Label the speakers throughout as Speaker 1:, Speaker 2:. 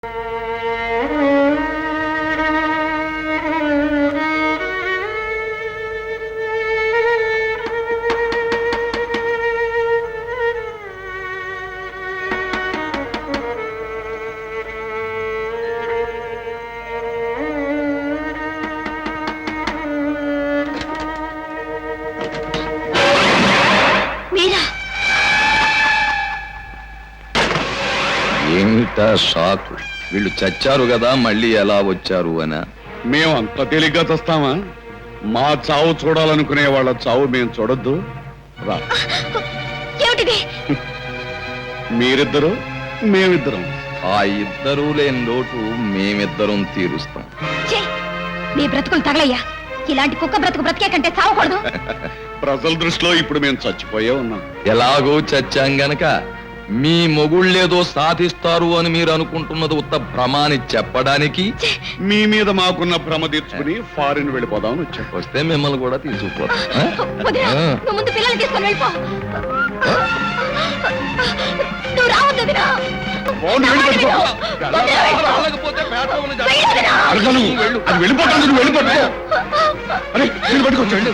Speaker 1: ఏమిటా షాకు? వీళ్ళు చచ్చారు కదా, మళ్ళీ ఎలా వచ్చారు అనా?
Speaker 2: మేము అంత తేలిగ్గా చస్తామా? మా చావు చూడాలనుకునే వాళ్ళ చావు మేము చూడొద్దు. రా, మీరిద్దరు మేమిద్దరం.
Speaker 1: ఆ ఇద్దరూ లేని లోటు మేమిద్దరం తీరుస్తాం.
Speaker 3: మీ బ్రతుకులు తగలయ్యా. ఇలాంటి కుక్క బ్రతుకు బ్రతికే కంటే చావకూడదు.
Speaker 2: ప్రజల దృష్టిలో ఇప్పుడు మేము చచ్చిపోయే ఉన్నాం.
Speaker 1: ఎలాగో చచ్చాం గనక మీ మొగుళ్ళేదో సాధిస్తారు అని మీరు అనుకుంటున్నది ఉత్త భ్రమాని చెప్పడానికి
Speaker 2: మీ మీద మాకున్న భ్రమ తీర్చుకుని ఫారిన్ వెళ్ళిపోదామని వచ్చాం.
Speaker 1: వస్తే మిమ్మల్ని కూడా తీసుకుపోతాం.
Speaker 3: ముందు పిల్లల్ని తీసుకొని వెళ్ళిపో. నువ్వు రావద్దు వదినా.
Speaker 2: అది వెళ్ళిపోతాను. నువ్వు వెళ్ళిపోతా. అరే మీరు పట్టుకోవచ్చు.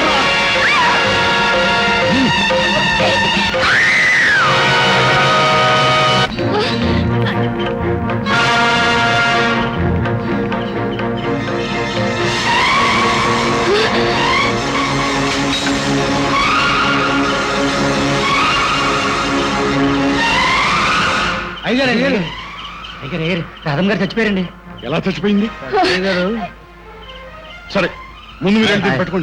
Speaker 4: రాధం గారు చచ్చిపోయారండి.
Speaker 2: ఎలా చచ్చిపోయింది? సరే ముందు మీరు పెట్టుకోండి.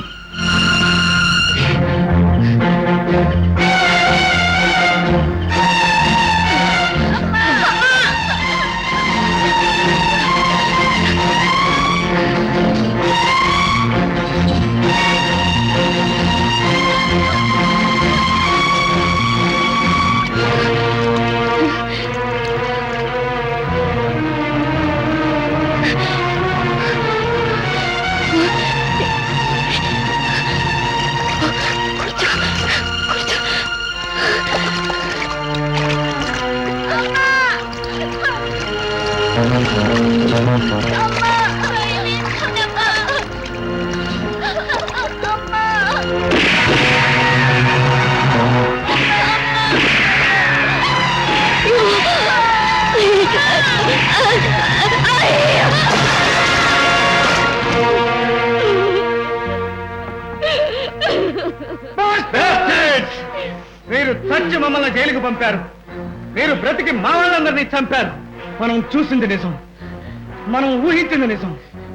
Speaker 4: మీరు చచ్చి మమ్మల్ని జైలుకు పంపారు. మీరు బ్రతికి మా వాళ్ళందరినీ చంపారు. మనం చూసింది నిజం, మనం ఊహించింది నిజం.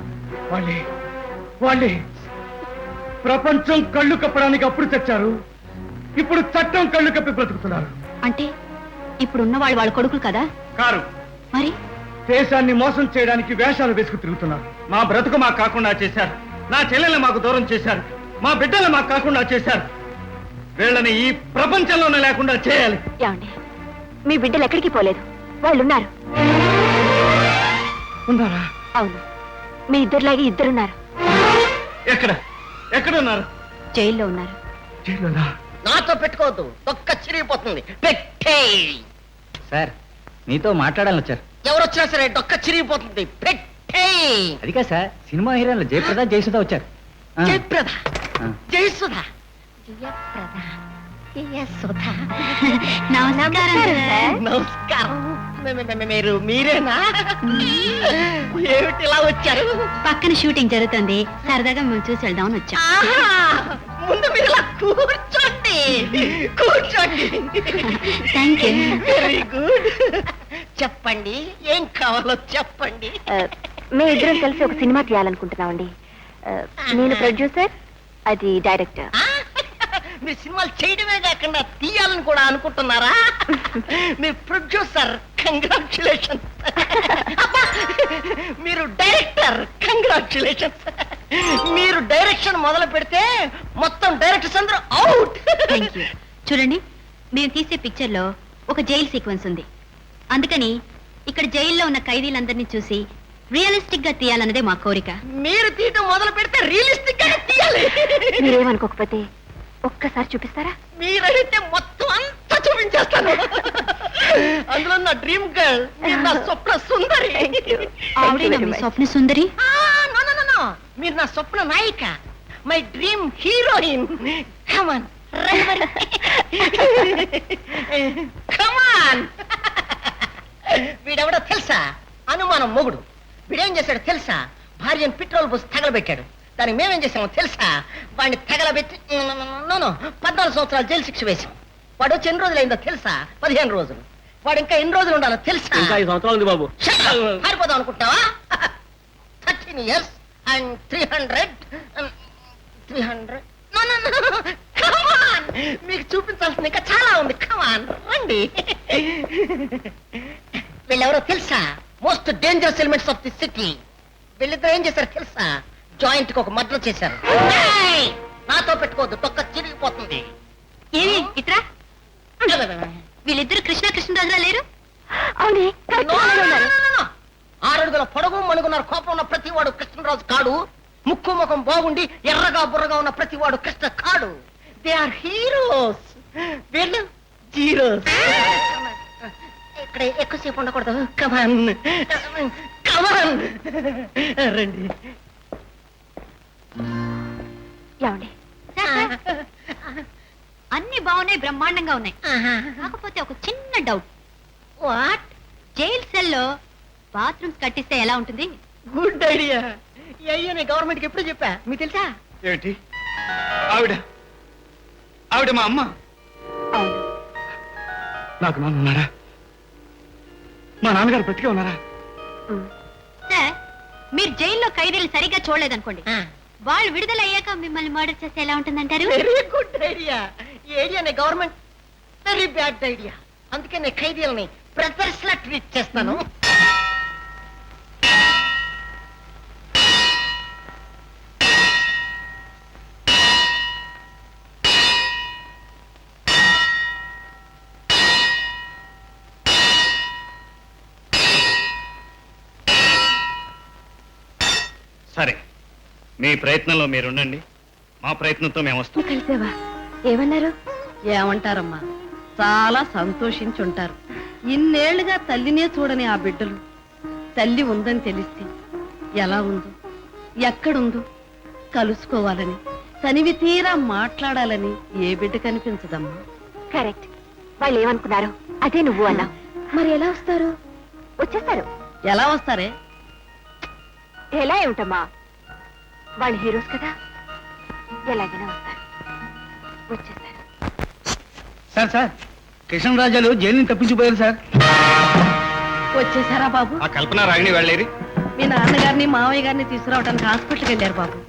Speaker 4: వాళ్ళే ప్రపంచం కళ్ళు కప్పడానికి అప్పుడు చచ్చారు. ఇప్పుడు చట్టం కళ్ళు కప్పి బ్రతుకుతున్నారు.
Speaker 3: అంటే ఇప్పుడున్న వాళ్ళు వాళ్ళ కొడుకులు కదా?
Speaker 4: కారు
Speaker 3: మరి
Speaker 4: దేశాన్ని మోసం చేయడానికి వేషాలు వేసుకు తిరుగుతున్నారు. మా బ్రతుకు మాకు కాకుండా చేశారు. నా చెల్లెల్ని మాకు దూరం చేశారు. మా బిడ్డలు మాకు కాకుండా చేశారు. వీళ్ళని ఈ ప్రపంచంలోనే లేకుండా చేయాలి.
Speaker 3: ఏమండి, మీ బిడ్డలు ఎక్కడికి పోలేదు, వాళ్ళున్నారు.
Speaker 4: ఉన్నారా?
Speaker 3: అవును, మీ ఇద్దరులాగే ఇద్దరున్నారు.
Speaker 4: ఎక్కడున్నారు?
Speaker 3: జైల్లో ఉన్నారు.
Speaker 4: జైల్లోనా?
Speaker 5: నాతో పెట్టుకోవద్దు, తొక్క చిరిగిపోతుంది. పెట్టే
Speaker 4: సార్, మీతో మాట్లాడాలని వచ్చారు.
Speaker 5: ఎవరొచ్చినా సరే డొక్క చిరిగిపోతుంది. పెట్టే
Speaker 4: అదిగా సార్, సినిమా హీరోయిన్లు జయప్రద జయసుధ వచ్చారు.
Speaker 5: జయప్రద జయసుధ నమస్కారం. మీరేనా? ఏమిటి ఇలా వచ్చారు?
Speaker 3: పక్కన షూటింగ్ జరుగుతుంది, సరదాగా మేము చూసి వెళ్దామని వచ్చాం.
Speaker 5: ముందు మీరు ఇలా కూర్చోండి.
Speaker 3: Thank you.
Speaker 5: Very good. చెప్పండి, ఏం కావాలో చెప్పండి.
Speaker 3: మేము ఇద్దరం కలిసి ఒక సినిమా తీయాలనుకుంటున్నామండి. నేను ప్రొడ్యూసర్, అది డైరెక్టర్.
Speaker 5: మీరు సినిమాలు చేయడమే కాకుండా తీయాలని కూడా అనుకుంటున్నారా? మీరు ప్రొడ్యూసర్, కంగ్రాచులేషన్స్. మీరు డైరెక్టర్, కంగ్రాచులేషన్స్. మీరు డైరెక్షన్ మొదలు పెడితే మొత్తం డైరెక్టర్స్ అందరూ అవుట్.
Speaker 3: Thank you. చూడండి, మేము తీసే పిక్చర్ లో ఒక జైలు సీక్వెన్స్ ఉంది. అందుకని ఇక్కడ జైల్లో ఉన్న ఖైదీలందరినీ చూసి రియలిస్టిక్ గా తీయాలన్నదే మా కోరిక.
Speaker 5: మీరు తీయటం మొదలు పెడితే రియలిస్టిక్ గా తీయాలి.
Speaker 3: మీరేమనుకోకపోతే ఒక్కసారి చూపిస్తారా?
Speaker 5: మీరైతే మొత్తం అంతా చూపించేస్తాను. అందులో నా డ్రీమ్ గర్ల్ నా స్వప్న సుందరి
Speaker 3: ఆవిడేనా మీ స్వప్న సుందరి
Speaker 5: నో నో నో మీరు నా స్వప్న నాయిక my dream heroine come on come on వీడెవడో తెలుసా అనుమానం మొగుడు వీడేం చేశాడు తెలుసా భార్యను పెట్రోల్ పోసి తగలబెట్టాడు దానికి మేమేం చేసామో తెలుసా వాడిని తగలబెట్టి 14 సంవత్సరాలు జైలు శిక్ష వేశాం వాడు వచ్చి ఎన్ని రోజులు అయిందో తెలుసా 15 రోజులు వాడు ఇంకా ఎన్ని రోజులు ఉండాలో తెలుసా
Speaker 4: ఇంకా 5 సంవత్సరాలు ఉంది బాబు
Speaker 5: పారిపోదాం అనుకుంటావా 13 years and 300 No, no, no. Come on. మీకు చూపించాల్సింది ఇంకా చాలా ఉంది కమాన్ రండి వీళ్ళెవరో తెలుసా most dangerous elements of the city వీళ్ళిద్దరు ఏం చేశారు తెలుసా జాయింట్ కి ఒక మర్డర్ చేశారు ఏయ్! నాతో పెట్టుకోవద్దు తొక్క చిరిగిపోతుంది
Speaker 3: ఏమి ఇట్రా వీళ్ళిద్దరు కృష్ణ కృష్ణరాజులా లేరు
Speaker 5: అవునే 6 అడుగుల పొడవు మణుగున్నారు కోపం ఉన్న ప్రతి వాడు కృష్ణరాజు కాడు ముక్కు ముఖం బాగుండి ఎర్రగా బుర్రగా ఉన్న ప్రతి వాడు కృష్ణ కాడు దే ఆర్ హీరోస్ వీళ్ళు జీరోస్ ఇక్కడ ఎక్కువసేపు ఉండకూడదు కమాన్ కమాన్ రండి
Speaker 3: ఏమండి అన్ని బాగున్నాయి బ్రహ్మాండంగా ఉన్నాయి కాకపోతే ఒక చిన్న డౌట్
Speaker 5: వాట్
Speaker 3: జైల్ సెల్లో బాత్రూమ్స్ కట్టిస్తే ఎలా ఉంటుంది
Speaker 5: గుడ్ ఐడియా అయ్యో గవర్నమెంట్ కి ఎప్పుడు చెప్పా మీకు తెలుసా
Speaker 4: ఏంటి ఆవిడ మా అమ్మ
Speaker 3: అవును
Speaker 4: నాకు నాన్న ఉన్నారా మా నాన్నగారు బ్రతికే ఉన్నారా
Speaker 3: సార్ మీరు జైల్లో ఖైదీలు సరిగ్గా చూడలేదనుకోండి వాళ్ళు విడుదల అయ్యాక మిమ్మల్ని మర్డర్ చేస్తే ఎలా ఉంటుందంటారు
Speaker 5: వెరీ గుడ్ ఐడియా ఈ ఐడియానే గవర్నమెంట్ వెరీ బ్యాడ్ ఐడియా అందుకే నేను ఖైదీలని బ్రదర్స్ లా ట్రీట్ చేస్తాను
Speaker 4: సరే మీ ప్రయత్నంలో మీరుండండి మా ప్రయత్నంతో మేము వస్తాం
Speaker 3: కలిసావా ఏమన్నారు
Speaker 6: ఏమంటారమ్మా చాలా సంతోషించుంటారు ఇన్నేళ్లుగా తల్లినే చూడని ఆ బిడ్డలు తల్లి ఉందని తెలిస్తే ఎలా ఉందో ఎక్కడుందో కలుసుకోవాలని తనివి తీరా మాట్లాడాలని ఏ బిడ్డ కనిపించదమ్మా
Speaker 3: కరెక్ట్ వాళ్ళు ఏమనుకున్నారు అదే నువ్వు అన్నా మరి ఎలా వస్తారు వచ్చేస్తారు
Speaker 6: ఎలా వస్తారే
Speaker 3: ఎలా ఏమిటమ్మా వాళ్ళు హీరోస్ కదా ఎలాగైనా వస్తారు వచ్చేస్తారు
Speaker 4: సార్ కృష్ణరాజాలు జైలు తప్పించిపోయారు సార్
Speaker 6: వచ్చేసారా బాబు
Speaker 4: ఆ కల్పన రాగిణి వెళ్ళేది
Speaker 6: మీ నాన్నగారిని మావయ్య గారిని తీసుకురావడానికి హాస్పిటల్కి వెళ్ళారు బాబు